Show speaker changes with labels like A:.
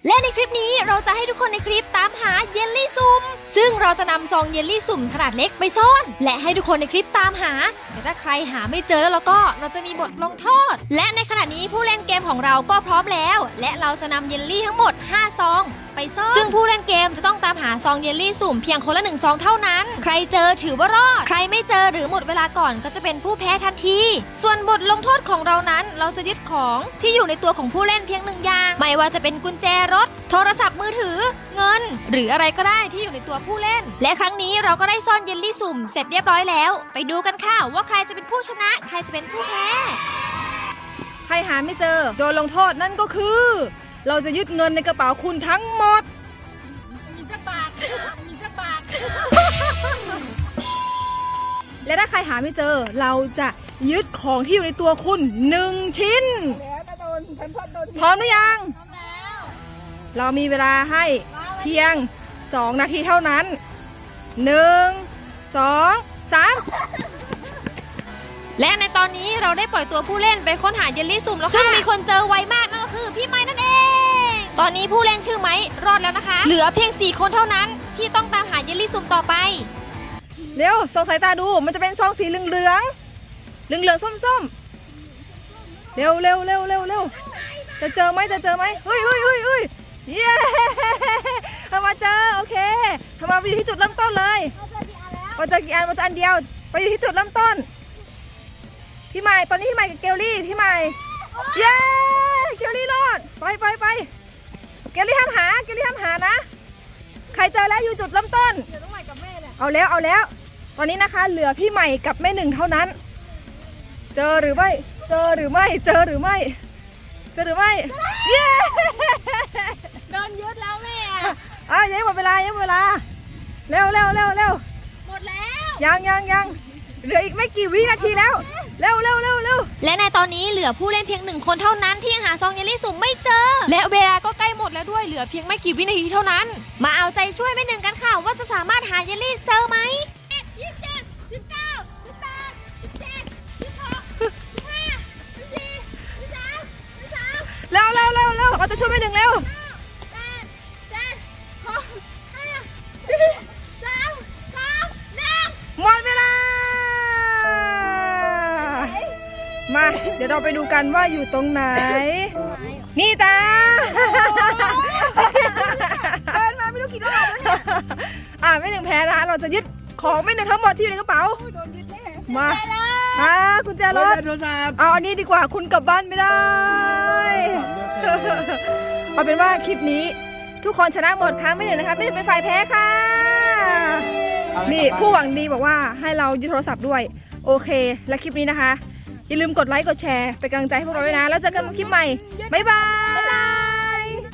A: และในคลิปนี้เราจะให้ทุกคนในคลิปตามหาเยลลี่สุ่มซึ่งเราจะนำซองเยลลี่สุ่มขนาดเล็กไปซ่อนและให้ทุกคนในคลิปตามหาแต่ถ้าใครหาไม่เจอแล้วก็เราจะมีบทลงโทษและในขณะนี้ผู้เล่นเกมของเราก็พร้อมแล้วและเราจะนำเยลลี่ทั้งหมด5ซองไปซ่อนซึ่งผู้เล่นเกมจะต้องตามหาซองเยลลี่สุ่มเพียงคนละ1ซองเท่านั้นใครเจอถือว่ารอดใครไม่เจอหรือหมดเวลาก่อนก็จะเป็นผู้แพ้ทันทีส่วนบทลงโทษของเรานั้นเราจะยึดของที่อยู่ในตัวของผู้เล่นเพียง1อย่างไม่ว่าจะเป็นกุญแจรถโทรศัพท์มือถือเงินหรืออะไรก็ได้ที่อยู่ในตัวผู้เล่นและครั้งนี้เราก็ได้ซ่อนเยลลี่สุ่มเสร็จเรียบร้อยแล้วไปดูกันค่ะว่าใครจะเป็นผู้ชนะใครจะเป็นผู้แพ้
B: ใครหาไม่เจอโดนลงโทษนั่นก็คือเราจะยึดเงินในกระเป๋าคุณทั้งหมดมีสักบาทและถ้าใครหาไม่เจอเราจะยึดของที่อยู่ในตัวคุณ1ชิ้นพร้อมหรือยังเรามีเวลาให้เพียง2นาทีเท่านั้น1 2 3
A: และในตอนนี้เราได้ปล่อยตัวผู้เล่นไปค้นหาเยลลี่สุ่มแล้วค่ะซึ่งมีคนเจอไวมากนั่นก็คือพี่ไม้นั่นเองตอนนี้ผู้เล่นชื่อไม้รอดแล้วนะคะเหลือเพียง4คนเท่านั้นที่ต้องตามหาเยลลี่สุ่มต่อไป
B: เร็วส่องสายตาดูมันจะเป็นซองสีเหลืองส้มเร็วจะเจอไหมเฮ้ยเย้ทำมาเจอโอเคทำมาไปอยู่ที่จุดเริ่มต้นเลยว่าจะกี่อันว่าจะอันเดียวไปอยู่ที่จุดเริ่มต้นพี่ใหม่ตอนนี้พี่ใหม่กับเกลลี่พี่ใหม่เย้เกลลี่รอดไปเกลลี่ห้ามหานะใครเจอแล้วอยู่จุดเริ่มต้นเอาแล้วตอนนี้นะคะเหลือพี่ใหม่กับแม่หนึ่งเท่านั้นเจอหรือไม่เย้
A: โดนยึดแล้วแม่
B: ยังหมดเวลาเร็วหมดแล้วยังเหลืออีกไม่กี่วินาทีแล้วเร็ว
A: และในตอนนี้เหลือผู้เล่นเพียง1คนเท่านั้นที่ยังหาซองเยลลี่สุ่มไม่เจอและเวลาก็ใกล้หมดแล้วด้วยเหลือเพียงไม่กี่วินาทีเท่านั้นมาเอาใจช่วยแม่หนึ่งกันค่ะว่าจะสามารถหาเยลลี่เจอไหม
B: เร็วเอาจะช่วยแม่หนึ่งเร็วหมดเวลามาเดี๋ยวเราไปดูกันว่าอยู่ตรงไหนนี่จ้าเดินมาไม่รู้กี่รอบแล้วเนี่ยแม่หนึ่งแพ้นะเราจะยึดของแม่หนึ่งทั้งหมดที่อยู่ในกระเป๋ามาคุณแจรถเอาอันนี้ดีกว่าคุณกลับบ้านไม่ได้เอาเป็นว่าคลิปนี้ทุกคนชนะหมดค่ะไม่หนึ่งนะคะไม่ได้เป็นฝ่ายแพ้ค่ะนี่ผู้หวังดีบอกว่าให้เรายึดโทรศัพท์ด้วยโอเคและคลิปนี้นะคะอย่าลืมกดไลค์กดแชร์เป็นกำลังใจให้พวกเราด้วยนะแล้วเจอกันในคลิปใหม่บ๊ายบาย